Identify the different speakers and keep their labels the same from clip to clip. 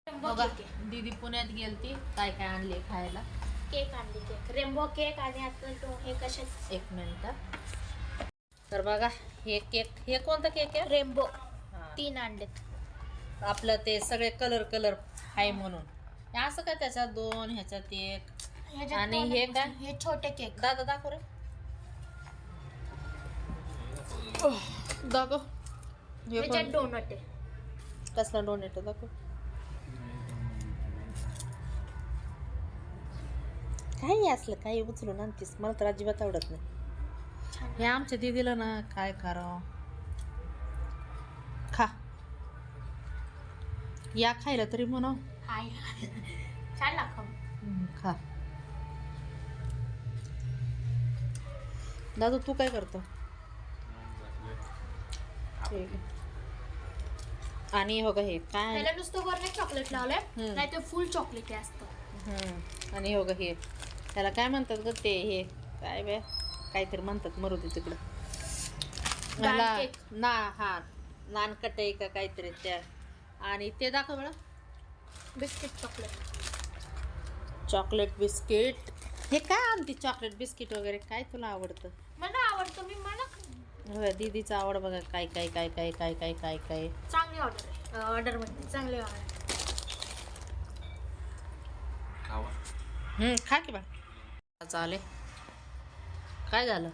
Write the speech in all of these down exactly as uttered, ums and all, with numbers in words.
Speaker 1: बघा दीदी पुण्यात गेलती, काय काय आणले खायला.
Speaker 2: केक आणले, केक रेनबो केक आणि आता हे कशात
Speaker 1: एक मिनिट. तर बघा हे केक, हे कोणता केक आहे?
Speaker 2: रेनबो. तीन आणलेत.
Speaker 1: आपलं ते सगळे कलर कलर आहे म्हणून. असं काय त्याच्यात दोन, ह्याच्यात एक. आणि हे काय?
Speaker 2: हे छोटे केक.
Speaker 1: दादा दाखव रे, दाखव.
Speaker 2: ह्याच्यात डोनट आहे.
Speaker 1: कसला डोनट दाखव. काही असलं काही उचलून आणतीस, मला तर अजिबात आवडत नाही. हे आमच्या दीदीला ना काय करावं. खा या खायला तरी म्हणा.
Speaker 2: हाय छान लागतं.
Speaker 1: खा. दादू तू काय करतो? ठीक आहे. आणि हो हे काय,
Speaker 2: त्याला नुसतं वरने चॉकलेट लावलंय, नाही तर फुल चॉकलेट असतं.
Speaker 1: हम्म. आणि हो हे त्याला काय म्हणतात ग ते, हे काय बे काहीतरी म्हणतात, मरू दे तिकडं. मला ना हा नानकटाई का काहीतरी त्या. आणि ते दाखव बळा,
Speaker 2: बिस्किट चॉकलेट.
Speaker 1: Chocolate biscuit. हे काय आणते चॉकलेट बिस्किट वगैरे, काय तुला आवडतं?
Speaker 2: मला आवडतं, मी मला
Speaker 1: होय दीदीचा आवड बघा. काय काय काय काय काय काय काय काय
Speaker 2: चांगली ऑर्डर आहे. ऑर्डर मध्ये चांगली ऑर्डर.
Speaker 1: हम्म खा की बा. चालेल. काय झालं,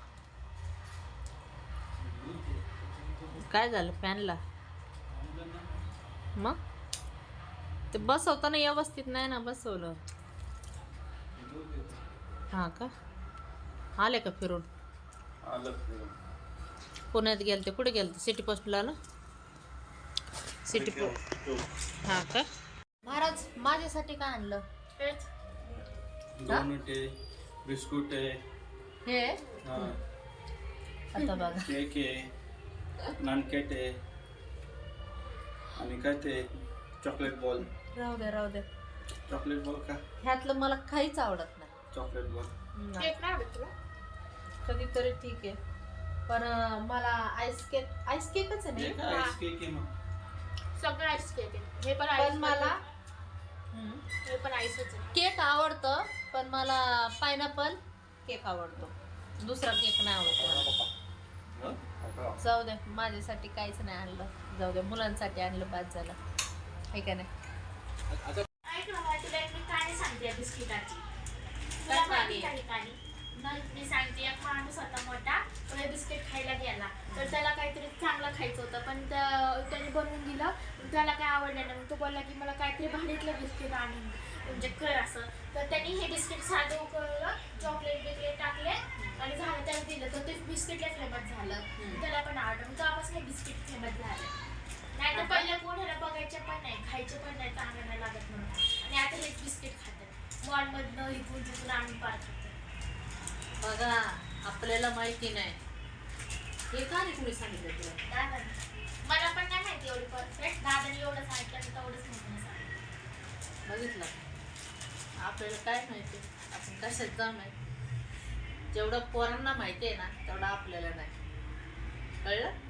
Speaker 1: काय झालं फॅनला? मग ते बसवताना व्यवस्थित नाही ना बसवलं. हा का, आले का फिरून? पुण्यात गेलते. कुठे गेलते? सिटी पोस्टला ना. City post. हा का. महाराज माझ्यासाठी काय आणलं?
Speaker 2: हेच
Speaker 3: डोनट आहे, बिस्कुट आहे,
Speaker 1: हे आता बघा
Speaker 3: केक आहे, नानकेट आहे आणि काय ते चॉकलेट बॉल.
Speaker 1: राहू दे राहू दे.
Speaker 3: चॉकलेट बॉल का?
Speaker 1: ह्यातलं मला काहीच आवडत नाही.
Speaker 3: चॉकलेट बॉल
Speaker 2: केक नाही आवडत तुला?
Speaker 1: कधीतरी ठीक आहे, पण अं, मला आईस केक, आईस केकच आहे
Speaker 3: हे
Speaker 1: ना.
Speaker 3: काय आईस केक आहे मग?
Speaker 2: सगळं आईस केक आहे. हे पण
Speaker 1: पण
Speaker 2: आईस
Speaker 1: मला
Speaker 2: हे पण आईसच आहे.
Speaker 1: केक आवडतं, पण मला पायनॅपल केक आवडतो. दुसरा केक नाही आवडतो मला. जाऊ दे, माझ्यासाठी काहीच नाही आणलं. जाऊ दे, मुलांसाठी आणलं, बाद झालं. हे का नाही.
Speaker 2: ऐक ना, मला तुला एक मी कहाणी सांगते बिस्किटाची. तुला माहिती का ही कहाणी? मी सांगते. एक माणूस होता मोठा, तो हे बिस्किट खायला गेला. तर त्याला काहीतरी चांगलं खायचं होतं, पण त्याने बनवून दिलं, त्याला काय आवडलं नाही. मग तो बोलला की मला काहीतरी भारीतलं बिस्किट आणून म्हणजे कर असं. तर त्यांनी हे बिस्किट साधं उकळलं, चॉकलेट बिस्किट टाकले आणि झालं, त्याला दिलं. तर ते बिस्किटला फेमस झालं. त्याला पण आवडलं. मग तेव्हापासून हे बिस्किट फेमस झालं. नाही तर पहिले कोण ह्याला बघायचे पण नाही, खायचे पण नाही, चांगलं नाही लागत म्हणून. आणि आता हेच बिस्किट खातात मॉलमधनं, इथून तिथून आणून पार खातात.
Speaker 1: बघा आपल्याला माहिती नाही. हे का नाही कुणी सांगितलं तुला?
Speaker 2: दादा मला पण नाही माहिती एवढी परफेक्ट. दादाने एवढं सांगितलं, तेवढंच माहिती सांगितलं.
Speaker 1: बघितलं, आपल्याला काय माहिती, आपण कशात जाम आहे. जेवढं पोरांना माहिती आहे ना, तेवढं आपल्याला नाही. कळलं?